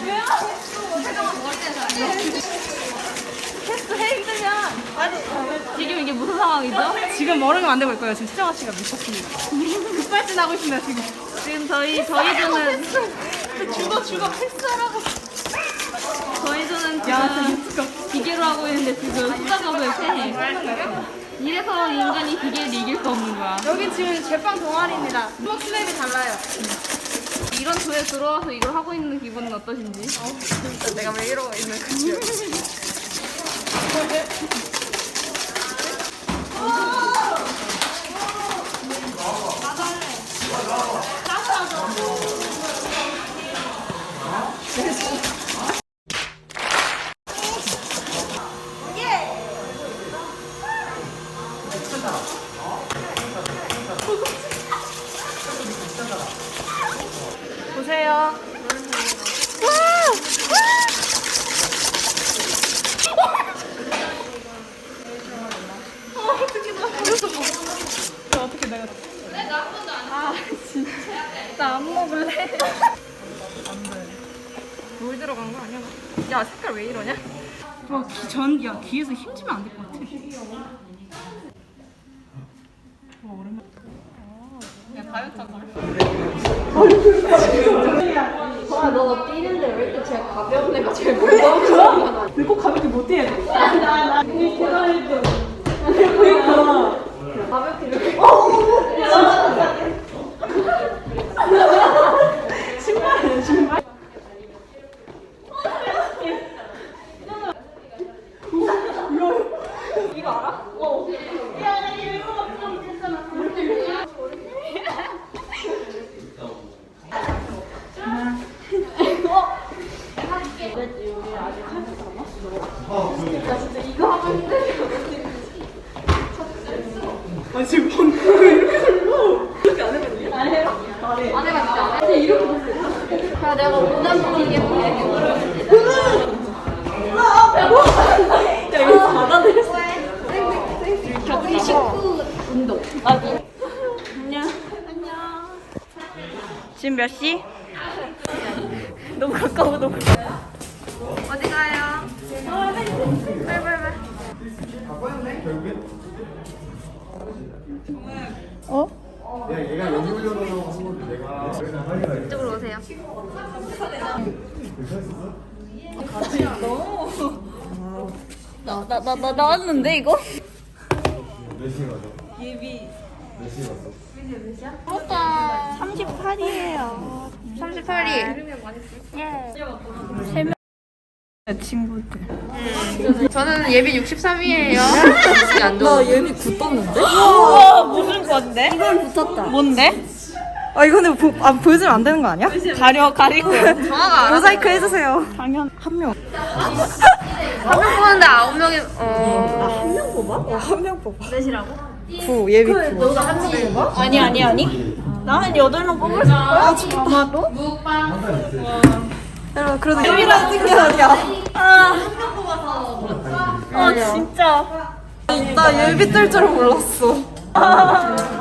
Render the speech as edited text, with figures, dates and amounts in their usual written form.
캐스트 해 힘드냐? 아니 지금 이게 무슨 상황이죠? 지금 머리를 만들고 있고요. 지금 수정아 씨가 미쳤습니다. 급발진하고 있습니다 지금. 지금 저희들은 죽어 패스하라고. 저희들은 지금 기계로 하고 있는데 지금 숫자적을 패해. 이래서 인간이 기계를 이길 수 없는 거야. 여기 지금 제빵 동아리입니다. 수학 스냅이 달라요. 이런 조에 들어와서 이걸 하고 있는 기분은 어떠신지? 진짜 내가 왜 이러고 있는 거지? 보세요. 어떻게 내가 진짜 나 안 먹을래. 물 들어간 거 아니야? 야 색깔 왜 이러냐? 야 귀에서 힘주면 안 될 것 같아. 와 오랜만에. 야 다이어트 한 거. 너 뛰는데 왜 이렇게 제일 가벼운 애가 제일 무서워? 근데 꼭 가볍게 못 뛰어야 돼. 나 계단을 그러니까 가볍게 이렇게. 신발. 이거 알아? 어. 야, 이거 좀 됐잖아. 나 진짜 이거 하고 있는데. 아 지금 방금 이렇게 설마 이렇게 안 해봤니? 안 해요? 안 해. 안 해봤지 안 해. 근데 이렇게 됐어. 자 내가 오단 보이게 볼게. 야 이거 받아들였어. 격리 식후 운동. 안녕. 지금 몇 시? 너무 가까워 너무. 어디 가요? 빨리. 어? 야, 얘가 여기 올려놓으라고 한 건데 내가 이쪽으로 오세요. 나 나왔는데 이거? 몇 시에 가죠? 예비 몇 시에 갔어? 부럽다. 38이에요. 38위. 친구들. 저는 예비 63위예요. 나 예비 9 떴는데? 우와 무슨 건데? 이건 붙었다. 뭔데? 아 이거는 보여주면 안 되는 거 아니야? 가리고. 정화가 알아. 모자이크 해주세요. 당연. 한 명. 한 명 뽑았는데 9명이 한 명 뽑아? 한 명 뽑아. 넷이라고? 9 예비 9. 너가 한 명 뽑아? 아니. 나 한 8명 뽑을 거야. 아마도. 여러분 그래도 예비라는 게 아니야. 아 진짜. 나 예비 뜰 줄은 몰랐어.